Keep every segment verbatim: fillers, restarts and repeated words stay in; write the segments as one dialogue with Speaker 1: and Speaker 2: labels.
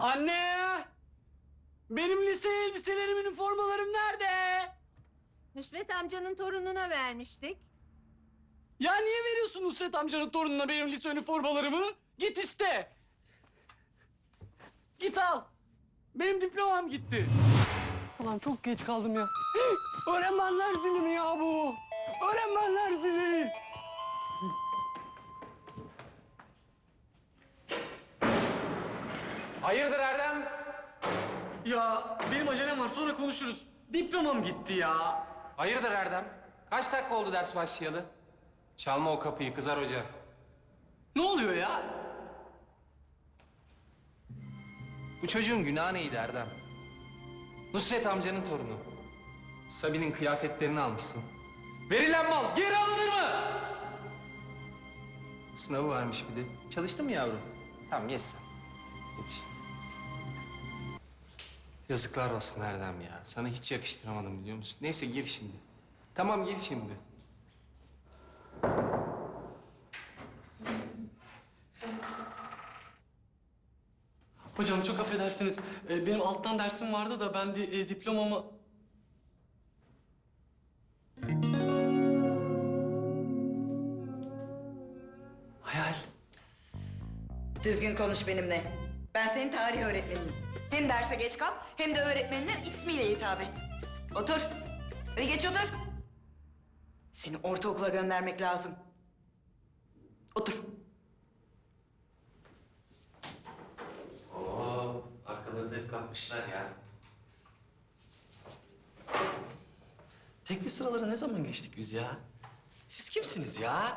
Speaker 1: Anne! Benim lise elbiselerim, üniformalarım nerede?
Speaker 2: Nusret amcanın torununa vermiştik.
Speaker 1: Ya niye veriyorsun Nusret amcanın torununa benim lise üniformalarımı? Git iste. Git al. Benim diplomam gitti. Ulan çok geç kaldım ya. Öğrenmenler zili mi ya bu? Öğrenmenler zili.
Speaker 3: Hayırdır Erdem?
Speaker 1: Ya benim acelem var, sonra konuşuruz. Diplomam gitti ya.
Speaker 3: Hayırdır Erdem? Kaç dakika oldu ders başlayalı? Çalma o kapıyı, kızar hoca.
Speaker 1: Ne oluyor ya?
Speaker 3: Bu çocuğun günahı neydi Erdem? Nusret amcanın torunu. Sabi'nin kıyafetlerini almışsın. Verilen mal geri alınır mı? Sınavı varmış bir de. Çalıştın mı yavrum? Tamam geç sen. Geç. Yazıklar olsun Erdem ya. Sana hiç yakıştıramadım biliyor musun? Neyse gir şimdi. Tamam gir şimdi.
Speaker 1: Hocam çok affedersiniz. Ee, benim alttan dersim vardı da ben de e, diplomamı... Hayal.
Speaker 4: Düzgün konuş benimle. Ben senin tarih öğretmenim. Hem derse geç kal hem de öğretmenine ismiyle hitap et. Otur. Hadi geç otur. Seni ortaokula göndermek lazım. Otur.
Speaker 1: Oo, arkalarında hep kalkmışlar ya. Tekli sıralara ne zaman geçtik biz ya? Siz kimsiniz ya?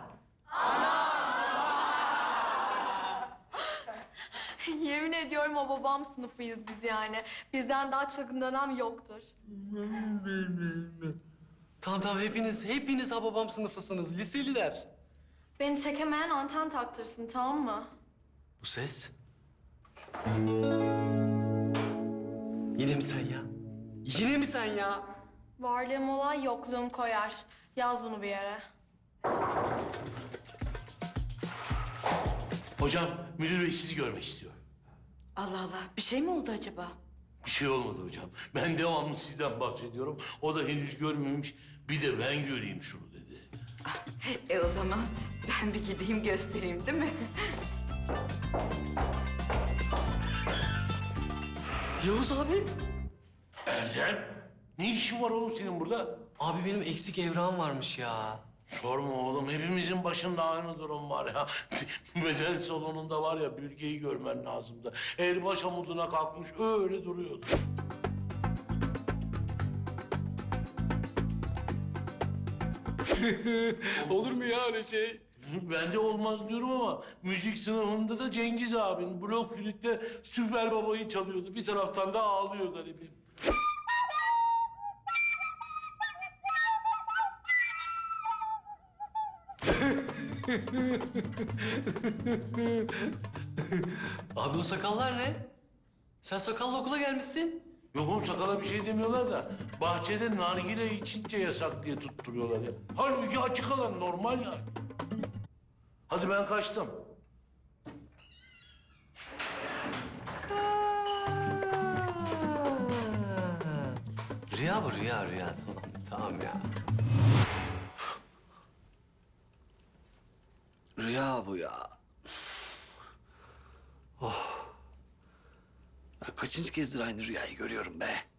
Speaker 5: Yemin ediyorum o babam sınıfıyız biz yani. Bizden daha çılgın dönem yoktur.
Speaker 1: Tamam tamam, hepiniz, hepiniz Hababam sınıfısınız, liseliler.
Speaker 5: Beni çekemeyen anten taktırsın, tamam mı?
Speaker 1: Bu ses? Yine mi sen ya? Yine mi sen ya?
Speaker 5: Varlığım olay yokluğum koyar. Yaz bunu bir yere.
Speaker 6: Hocam, müdür bey sizi görmek istiyor.
Speaker 4: Allah Allah, bir şey mi oldu acaba?
Speaker 6: Bir şey olmadı hocam. Ben devamlı sizden bahsediyorum. O da henüz görmemiş. Bir de ben göreyim şunu dedi.
Speaker 4: E o zaman ben bir gideyim göstereyim, değil mi?
Speaker 1: Yavuz abi.
Speaker 6: Erdem, ne işin var oğlum senin burada?
Speaker 1: Abi benim eksik evrağım varmış ya.
Speaker 6: Sorma oğlum, hepimizin başında aynı durum var ya. Beden salonunda var ya, bürgeyi görmen lazımdı. El baş amuduna kalkmış, öyle duruyordu.
Speaker 1: Olur mu ya öyle şey?
Speaker 6: Ben de olmaz diyorum ama müzik sınıfında da Cengiz abin blok flütle Süper Baba'yı çalıyordu. Bir taraftan da ağlıyor garibim.
Speaker 1: Abi o sakallar ne? Sen sakallı okula gelmişsin.
Speaker 6: Yok oğlum, sakala bir şey demiyorlar da bahçede nargile içince yasak diye tutturuyorlar ya. Halbuki açık alan normal yani. Hadi ben kaçtım.
Speaker 1: Rüya bu, rüya, rüya. Tamam, tamam ya. Rüya bu ya. Oh. Ben kaçıncı kezdir aynı rüyayı görüyorum be?